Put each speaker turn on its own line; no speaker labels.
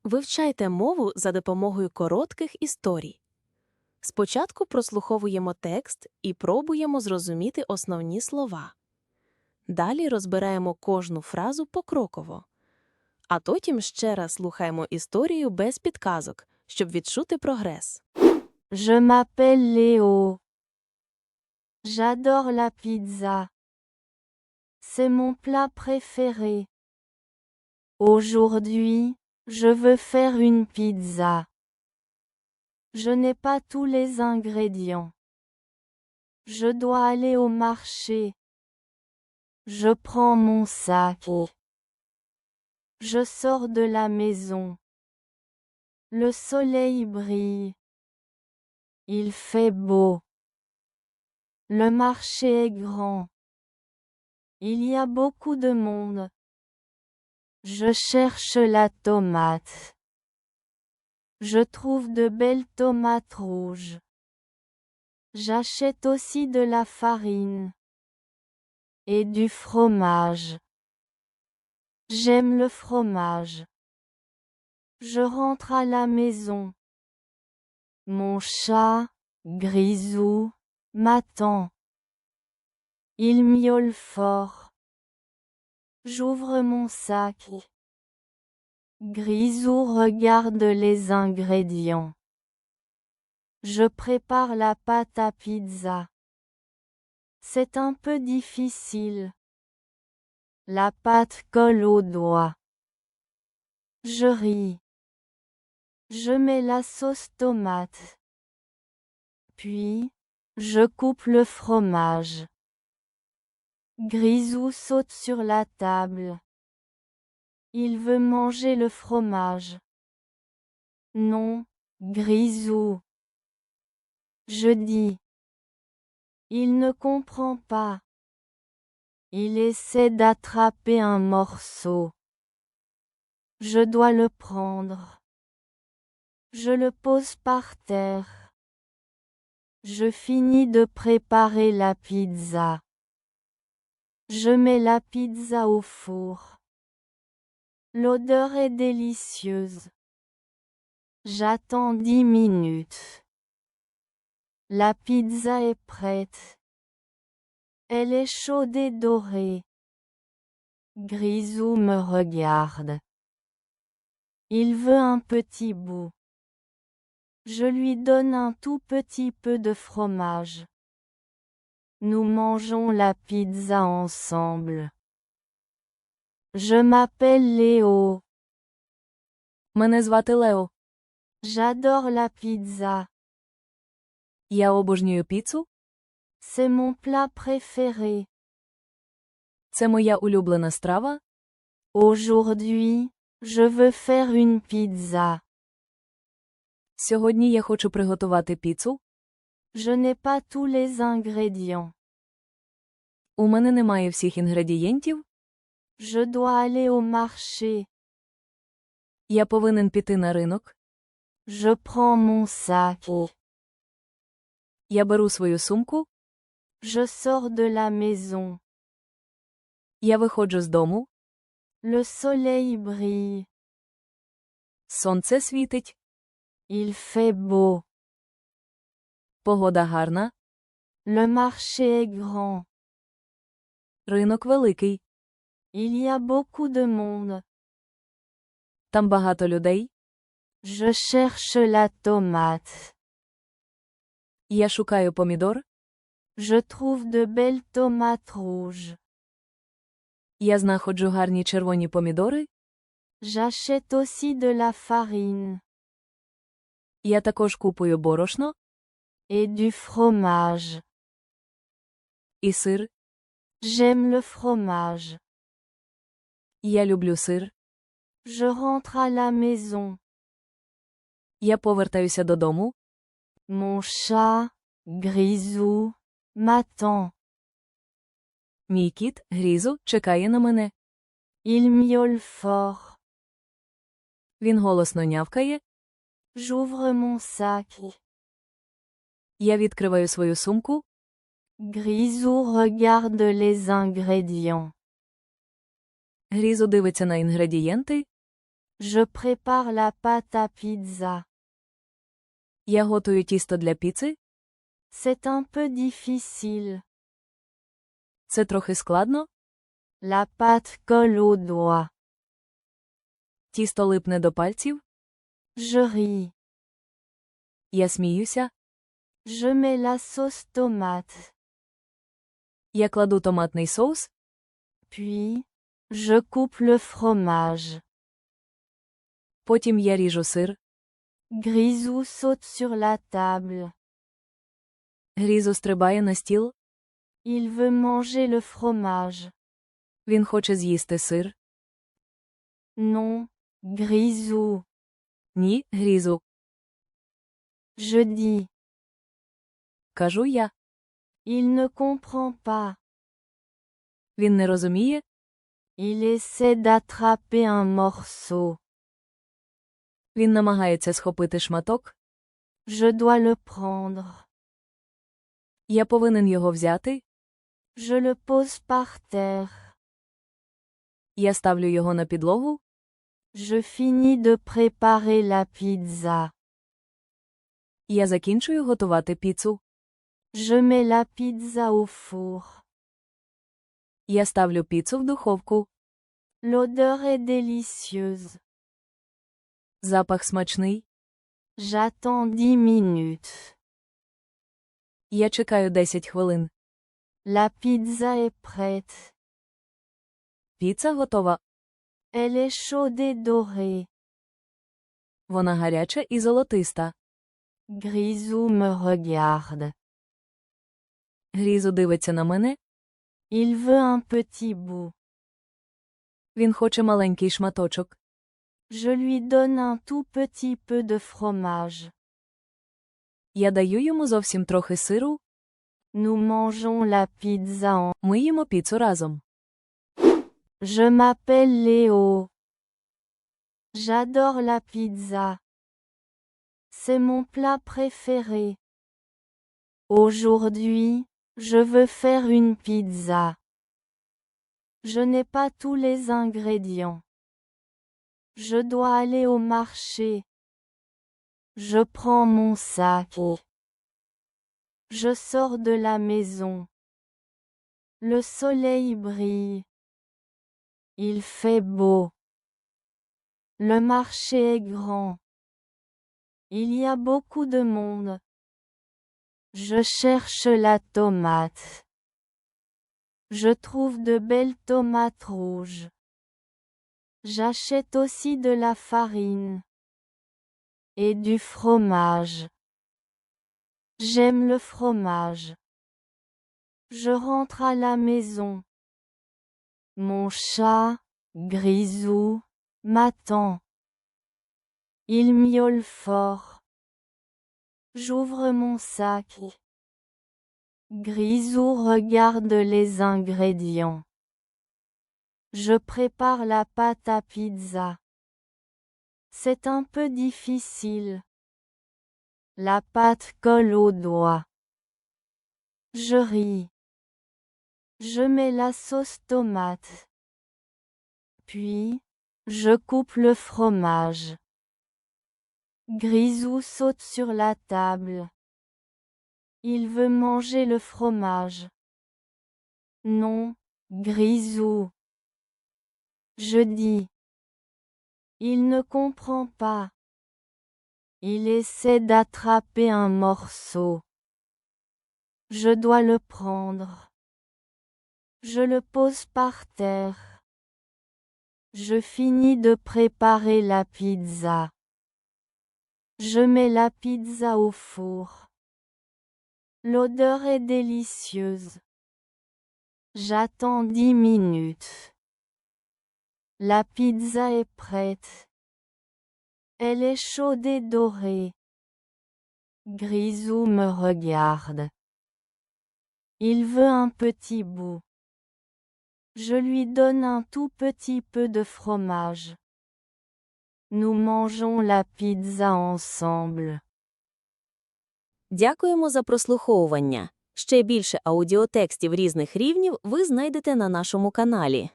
Вивчайте мову за допомогою коротких історій. Спочатку прослуховуємо текст і пробуємо зрозуміти основні слова. Далі розбираємо кожну фразу покроково. А потім ще раз слухаємо історію без підказок, щоб відчути прогрес.
Je m'appelle Léo. J'adore la pizza. C'est mon plat préféré. Aujourd'hui, je veux faire une pizza. Je n'ai pas tous les ingrédients. Je dois aller au marché. Je prends mon sac. Je sors de la maison. Le soleil brille. Il fait beau. Le marché est grand. Il y a beaucoup de monde. Je cherche la tomate. Je trouve de belles tomates rouges. J'achète aussi de la farine et du fromage. J'aime le fromage. Je rentre à la maison. Mon chat, Grisou, m'attend. Il miaule fort. J'ouvre mon sac. Grisou regarde les ingrédients. Je prépare la pâte à pizza. C'est un peu difficile. La pâte colle aux doigts. Je ris. Je mets la sauce tomate. Puis, je coupe le fromage. Grisou saute sur la table. Il veut manger le fromage. Non, Grisou. Je dis. Il ne comprend pas. Il essaie d'attraper un morceau. Je dois le prendre. Je le pose par terre. Je finis de préparer la pizza. Je mets la pizza au four. L'odeur est délicieuse. J'attends 10 minutes. La pizza est prête. Elle est chaude et dorée. Grisou me regarde. Il veut un petit bout. Je lui donne un tout petit peu de fromage. Nous mangeons la pizza ensemble. Je m'appelle Léo.
Мене звати Лео.
J'adore la pizza.
Я обожнюю піцу.
C'est mon plat préféré.
Це моя улюблена страва.
Aujourd'hui, je veux faire une pizza.
Сьогодні я хочу приготувати піцу.
Je n'ai pas tous les ingrédients.
У мене немає всіх інгредієнтів.
Je dois aller au marché.
Я повинен піти на ринок.
Je prends mon sac.
Я беру свою сумку.
Je sors de la maison.
Я виходжу з дому.
Le soleil brille.
Сонце світить.
Il fait beau.
Погода гарна.
Le marché est grand.
Ринок великий.
Il y a beaucoup de monde.
Там багато людей.
Je cherche la tomate.
Я шукаю помідор.
Je trouve de belles tomates rouges.
Я знаходжу гарні червоні помідори.
J'achète aussi de la farine
Я також купую борошно.
et du fromage.
І сир.
J'aime le fromage.
Я люблю сир.
Je rentre à la maison.
Я повертаюся додому.
Mon chat, Grisou, m'attend.
Мій кіт, Грізу, чекає на мене.
Il miaule fort.
Він голосно нявкає.
J'ouvre mon sac.
Я відкриваю свою сумку.
Grisou regarde les ingrédients.
Грізу дивиться на інгредієнти.
Je prépare la pâte à pizza.
Я готую тісто для піци.
C'est un peu difficile.
Це трохи складно.
La pâte colle aux doigts.
Тісто липне до пальців.
Je ris.
Я сміюся.
Je mets la sauce tomate.
Я кладу томатний соус.
Puis, je coupe le fromage.
Потім я ріжу сир.
Grisou saute sur la table.
Грізу стрибає на стіл.
Il veut manger le fromage.
Він хоче з'їсти сир.
Non, Grisou.
Ні, Грізу.
Je dis.
Кажу я.
Il ne comprend pas.
Він не розуміє.
Il essaie d'attraper un morceau.
Він намагається схопити шматок.
Je dois le prendre.
Я повинен його взяти.
Je le pose par terre.
Я ставлю його на підлогу.
Je finis de préparer la pizza.
Я закінчую готувати піцу.
Je mets la pizza au four.
Я ставлю піцу в духовку.
L'odeur est délicieuse.
Запах смачний.
J'attends 10 minutes.
Я чекаю 10 хвилин.
La pizza est prête.
Піца готова.
Elle est chaude et dorée.
Вона гаряча і золотиста.
Grisou me regarde.
Грізу дивиться на мене.
Il veut un petit bout.
Він хоче маленький шматочок.
Je lui donne un tout petit peu de fromage.
Я даю йому зовсім трохи сиру.
Nous mangeons la pizza en...
Ми їмо піцу разом.
Je m'appelle Léo. J'adore la pizza. C'est mon plat préféré. Aujourd'hui, je veux faire une pizza. Je n'ai pas tous les ingrédients. Je dois aller au marché. Je prends mon sac. Je sors de la maison. Le soleil brille. Il fait beau. Le marché est grand. Il y a beaucoup de monde. Je cherche la tomate. Je trouve de belles tomates rouges. J'achète aussi de la farine. Et du fromage. J'aime le fromage. Je rentre à la maison. Mon chat, Grisou, m'attend. Il miaule fort. J'ouvre mon sac. Grisou regarde les ingrédients. Je prépare la pâte à pizza. C'est un peu difficile. La pâte colle aux doigts. Je ris. Je mets la sauce tomate. Puis, je coupe le fromage. Grisou saute sur la table. Il veut manger le fromage. Non, Grisou. Je dis. Il ne comprend pas. Il essaie d'attraper un morceau. Je dois le prendre. Je le pose par terre. Je finis de préparer la pizza. Je mets la pizza au four. L'odeur est délicieuse. J'attends 10 minutes. La pizza est prête. Elle est chaude et dorée. Grisou me regarde. Il veut un petit bout. Je lui donne un tout petit peu de fromage. Nous mangeons la pizza ensemble.
Дякуємо за прослуховування. Ще більше аудіотекстів різних рівнів ви знайдете на нашому каналі.